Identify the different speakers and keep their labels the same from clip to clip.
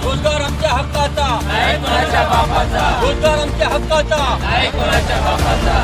Speaker 1: रोजगार आमच्या हक्काचा,
Speaker 2: नाही कोणाच्या बापाचा,
Speaker 1: रोजगार आमच्या हक्काचा.
Speaker 2: नाही कोणाच्या बापाचा.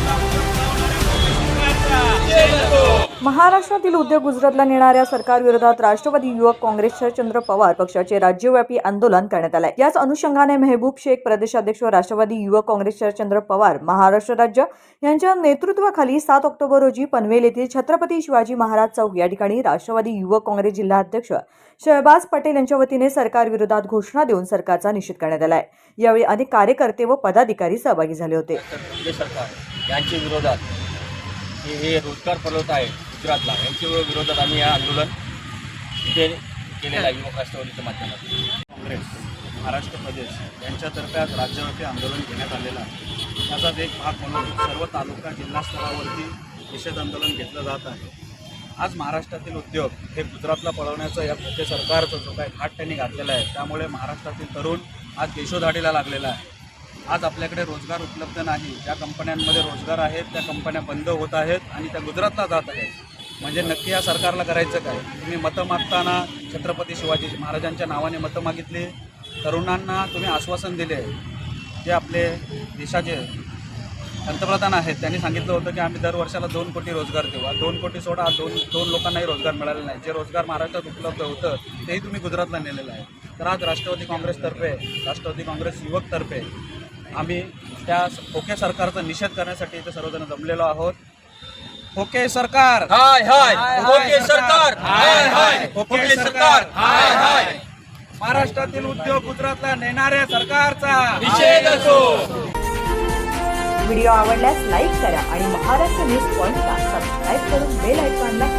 Speaker 3: महाराष्ट्रातील उद्योग गुजरातला नेणाऱ्या सरकारविरोधात राष्ट्रवादी युवक काँग्रेस शरदचंद्र पवार पक्षाचे राज्यव्यापी आंदोलन करण्यात आले. याच अनुषंगाने मेहबूब शेख प्रदेशाध्यक्ष राष्ट्रवादी युवक काँग्रेस शरदचंद्र पवार महाराष्ट्र राज्य यांच्या नेतृत्वाखाली 7 ऑक्टोबर रोजी पनवेल येथील छत्रपती शिवाजी महाराज चौक या ठिकाणी राष्ट्रवादी युवक काँग्रेस जिल्हाध्यक्ष शहबाज पटेल यांच्या वतीने सरकारविरोधात घोषणा देऊन सरकारचा निषेध करण्यात आला. यावेळी अनेक कार्यकर्ते व पदाधिकारी सहभागी झाले होते.
Speaker 1: केंद्र सरकार यांच्या विरोधात हे रोजगार पळवत आहे गुजरातला, यांच्या विरोधात आम्ही हे आंदोलन इथे केलेलं आहे युवक राष्ट्रवादीच्या माध्यमातून.
Speaker 4: काँग्रेस महाराष्ट्र प्रदेश यांच्यातर्फे आज राज्यव्यापी आंदोलन घेण्यात आलेलं आहे. त्याचाच एक भाग म्हणून सर्व तालुका जिल्हा स्तरावरती निषेध आंदोलन घेतलं जात आहे. आज महाराष्ट्रातील उद्योग हे गुजरातला पळवण्याचं या खोटे सरकारचा जो काही घाट त्यांनी घातलेला आहे, त्यामुळे महाराष्ट्रातील तरुण आज देशोधाडीला लागलेला आहे. आज आपल्याकडे रोजगार उपलब्ध नाही. ज्या कंपन्यांमध्ये रोजगार आहेत त्या कंपन्या बंद होत आहेत आणि त्या गुजरातला जात आहेत. म्हणजे नक्की या सरकारला करायचं काय? तुम्ही मतं मागताना छत्रपती शिवाजी महाराजांच्या नावाने मतं मागितली, तरुणांना तुम्ही आश्वासन दिले. जे आपले देशाचे पंतप्रधान आहेत त्यांनी सांगितलं होतं की आम्ही दर वर्षाला 2 कोटी रोजगार देऊ. 2 कोटी सोडा, दोन लोकांनाही रोजगार मिळाले नाही. जे रोजगार महाराष्ट्रात उपलब्ध होतं तेही तुम्ही गुजरातला नेलेलं आहे. तर आज राष्ट्रवादी काँग्रेसतर्फे, राष्ट्रवादी काँग्रेस युवकतर्फे आम्ही त्या खोके सरकारचा निषेध करण्यासाठी इथे सर्वजण जमलेलो आहोत. खोके सरकार
Speaker 1: हाय हाय, खोके सरकार हाय हाय, खोके सरकार हाय हाय.
Speaker 4: महाराष्ट्रातील उद्योग गुजरातला नेणाऱ्या सरकारचा
Speaker 1: निषेध असो.
Speaker 3: व्हिडिओ आवडल्यास लाईक करा आणि महाराष्ट्र न्यूज पॉइंटला सबस्क्राईब करून बेल आयकॉनला